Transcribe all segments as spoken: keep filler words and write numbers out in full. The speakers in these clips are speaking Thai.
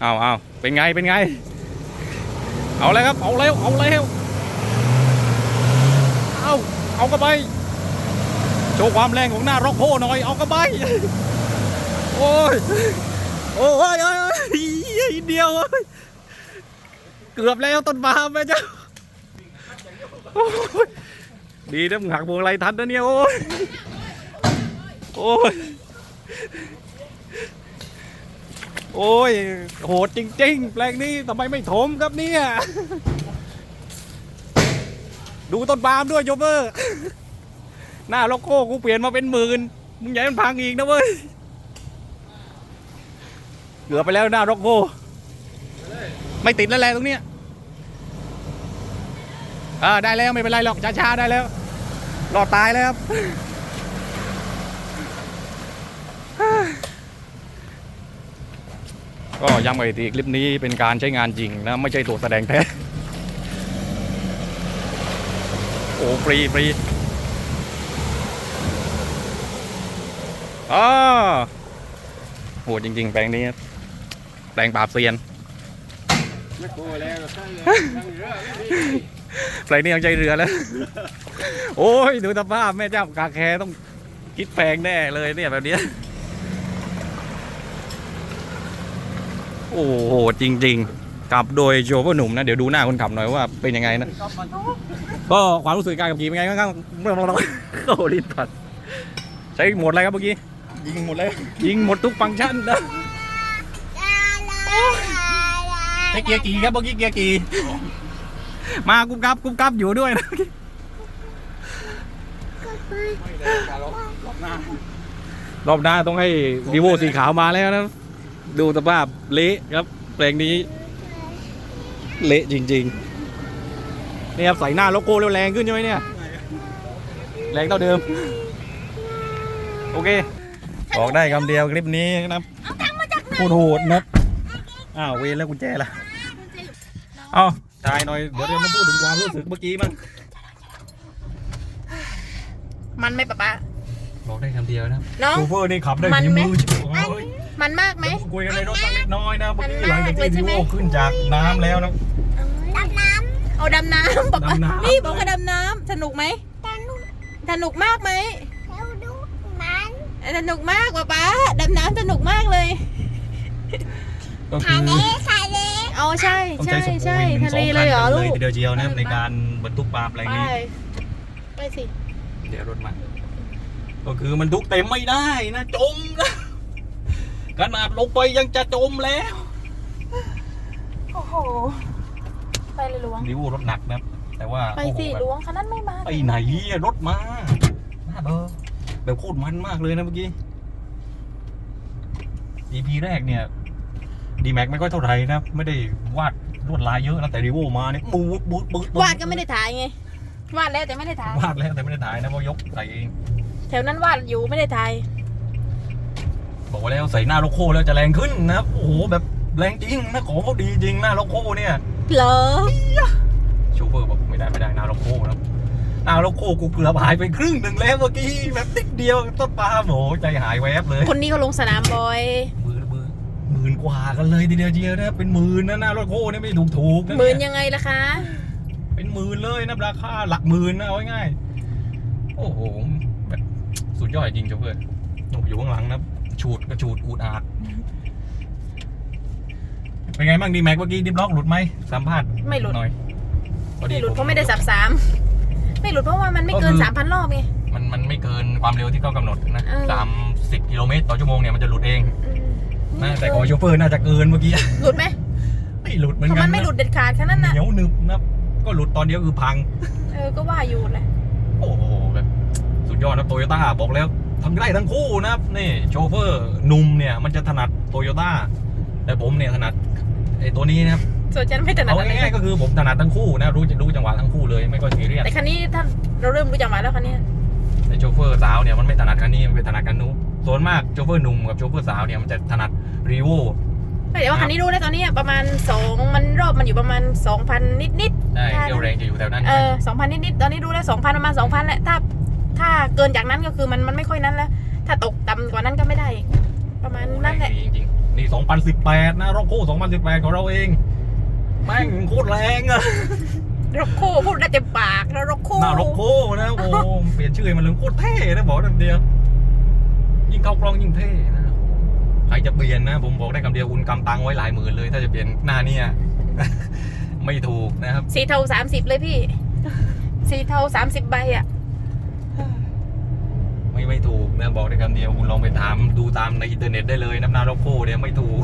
เอาเอาเป็นไงเป็นไงเอาเลยครับเอาเร็วเอาเร็วเอาเอากระบะโชว์ความแรงของหน้าร็อกโพหน่อยเอากระบะโอ้ยโอ้ยโอ้ยเดียวเกือบแล้วต้นปาล์มแม่เจ้าดีนะมึงหักพวงไรทันนะเนี่ยโอ้ยโอ้ยโอ้ยโหดจริงๆแปลงนี้ทำไมไม่ถมครับเนี่ยดูต้นปาล์มด้วยโยเบอร์หน้าโลโก้กูเปลี่ยนมาเป็นหมื่นมึงใหญ่มันพังอีกนะเว้ยเกือบไปแล้วหน้าโลโก้ไม่ติดแล้วแหละตรงเนี้ยอ่าได้แล้วไม่เป็นไรหรอกช้าๆได้แล้วรอดตายแล้วครับก็ย้ำไปทีคลิปนี้เป็นการใช้งานจริงนะไม่ใช่ตัวแสดงแท้โอ้ฟรีฟรีอ๋อโหจริงๆแปลงนี้แปลงปราบเซียนแปลงนี้ยังใจเรือแล้วโอ้ยดูสภาพแม่เจ้ากาแคต้องคิดแพงแน่เลยเนี่ยแบบนี้โอ้โหจริงๆขับโดยโชเฟอร์หนุ่มนะเดี๋ยวดูหน้าคนขับหน่อยว่าเป็นยังไงนะก็ความรู้สึกการขับขี่เป็นไงบ้างครับเมื่อเราโอ้ลิ้นผัดใช้หมดอะไรครับเมื่อกี้ยิงหมดเลยยิงหมดทุกฟังก์ชันนะใช้เกียร์กี่ครับเมื่อกี้เกียร์กี่มากุ๊บกับกุ๊บกับอยู่ด้วยนะรอบหน้าต้องให้วีโวสีขาวมาแล้วนะดูสภาพเละครับแปลงนี้เละจริงๆนี่ครับใส่หน้าโลโก้แล้วแรงขึ้นใช่ไหมเนี่ยแรงเท่าเดิมโอเคบอกได้คำเดียวคลิปนี้นะพูดโหดนะอ้าวเวรแล้วกุญแจล่ะเอาถ่ายหน่อยเดี๋ยวเรามาพูดถึงความรู้สึกเมื่อกี้มั้งมันไหมป๊าป๊าบอกได้คำเดียวนะน้องโชเฟอร์นี่ขับได้ฝีมือมันมากไหมคุยกันในรถสักเล็กน้อยนะเมื่อกี้หลังจากที่วีโวขึ้นจากน้ำแล้วนะดำน้ำเอาดำน้ำป๊าป๊านี่บอกว่าดำน้ำสนุกไหมสนุกมากไหมสนุกมากป๊าป๊าดำน้ำสนุกมากเลยทะเลทะเลอ๋อใช่ใช่ใช่ทะเลเลยเหรอลูกเดียวเดียวนะในการบรรทุกปลาอะไรนี้ไปสิเดี๋ยวรถมาก็คือมันทุกเต็มไม่ได้นะจมนะขนาดลงไปยังจะจมแล้วโอ้โหไปเลยล้วงดิวรถหนักนะแต่ว่าไปสิล้วงคันนั้นไม่มาไปไหนรถมาหน้าเบอร์แบบโคตรมันมากเลยนะเมื่อกี้ อี พี แรกเนี่ยดีแม็กไม่ค่อยเท่าไหร่นะไม่ได้วาดลวดลายเยอะนะแต่ดิวมาเนี่ยบูดบูดบูดวาดก็ไม่ได้ถ่ายไงวาดแล้วแต่ไม่ได้ถ่ายวาดแล้วแต่ไม่ได้ถ่ายนะเพราะยกใส่เองแถวนั้นวาดอยู่ไม่ได้ถ่ายบอกว่าแล้วใส่หน้าโลโก้แล้วจะแรงขึ้นนะโอ้โหแบบแรงจริงนะของเขาดีจริงหน้าโลโก้เนี่ยเหรอโชเฟอร์บอกไม่ได้ไม่ได้หน้าโลโก้นะหน้าโลโก้กูเกือบหายไปครึ่งหนึ่งแล้วเมื่อกี้แบบติ๊กเดียวต้นปลาโหใจหายแวบเลยคนนี้เขาลงสนามบ่อยมือมือหมื่นกว่ากันเลยทีเดียวเดียวนะเป็นหมื่นนะหน้าโลโก้เนี่ยไม่ถูกถูกหมื่นยังไงล่ะคะเป็นหมื่นเลยนะราคาหลักหมื่นนะเอาง่ายโอ้โหแบบสุดยอดจริงโชเฟอร์อยู่ข้างหลังนะฉูดกระฉูดอูดอาดเป็นไงบ้างดีแม็กเมื่อกี้ดิบล็อกหลุดไหมสัมภาษณ์ไม่หลุดหน่อยไม่หลุดเพราะไม่ได้สับสามไม่หลุดเพราะว่ามันไม่เกินสามพันรอบไงมันมันไม่เกินความเร็วที่เขากำหนดนะสามสิบกิโลเมตรต่อชั่วโมงเนี่ยมันจะหลุดเองนะแต่ของโชเฟอร์น่าจะเกินเมื่อกี้หลุดไหมไม่หลุดเหมือนกันมันไม่หลุดเด็ดขาดแค่นั้นนะเหนียวหนึบนะก็หลุดตอนเดียวคือพังเออก็ว่าอยู่แหละโอ้โหแบบสุดยอดนะโตโยต้าบอกแล้วทำได้ทั้งคู่นะครับนี่โชเฟอร์หนุ่มเนี่ยมันจะถนัดโตโยต้าแต่ผมเนี่ยถนัดไอ้ตัวนี้นะครับส่วนฉันไม่ถนัดอะไรง่ายๆก็คือผมถนัดทั้งคู่นะรู้รู้จังหวะทั้งคู่เลยไม่ก็ซีเรียสแต่คันนี้ถ้าเราเริ่มรู้จังหวะแล้วคันนี้แต่โชเฟอร์สาวเนี่ยมันไม่ถนัดคันนี้มันเป็นถนัดคันนู้นส่วนมากโชเฟอร์หนุ่มกับโชเฟอร์สาวเนี่ยมันจะถนัดรีโวแต่ว่าคันนี้รู้แล้วตอนนี้ประมาณสองมันรอบมันอยู่ประมาณสองพันนิดนิดใช่เรี่ยวแรงจะอยู่แถวนั้นเออสองพันนิดนิดตอนนี้รู้แล้วสองพันประมาณสองพันแหละถ้าถ้าเกินจากนั้นก็คือมันมันไม่ค่อยนั้นแล้วถ้าตกต่ำกว่านั้นก็ไม่ได้ประมาณนั้นแหละจริงนี่สองพันสิบแปดนะร็อกโก้สองพันสิบแปดของเราเองแม่งโคตรแรงอะร็อกโก้พูดได้เต็มปากแล้วร็อกโก้หน้าร็อกโก้นะโอ้เปลี่ยนชื่อให้มันเลยโคตรเท่นะบอกคำเดียวยิ่งเข้ากล้องยิ่งเท่นะใครจะเปลี่ยนนะผมบอกได้คำเดียวคุณกำตังไว้หลายหมื่นเลยถ้าจะเปลี่ยนหน้าเนี่ย ไม่ถูกนะครับสีเทาสามสิบเลยพี่ สีเทาสามสิบใบอ่ะไม่ไม่ถูกนะบอกได้คำเดียวคุณลองไปถามดูตามในอินเทอร์เน็ตได้เลยน้ำหน้าร็อกโก้เนี่ยไม่ถูก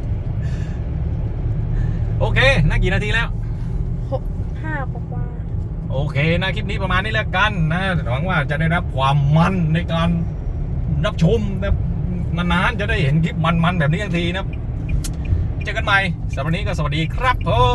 โอเคน่ากี่นาทีแล้วหกห้ากว่าโอเคนะคลิปนี้ประมาณนี้แล้วกันนะหวังว่าจะได้รับความมันในการรับชมนะนานๆจะได้เห็นคลิปมันๆแบบนี้ทันทีนะเจอกันใหม่สำหรับวันนี้ก็สวัสดีครับผม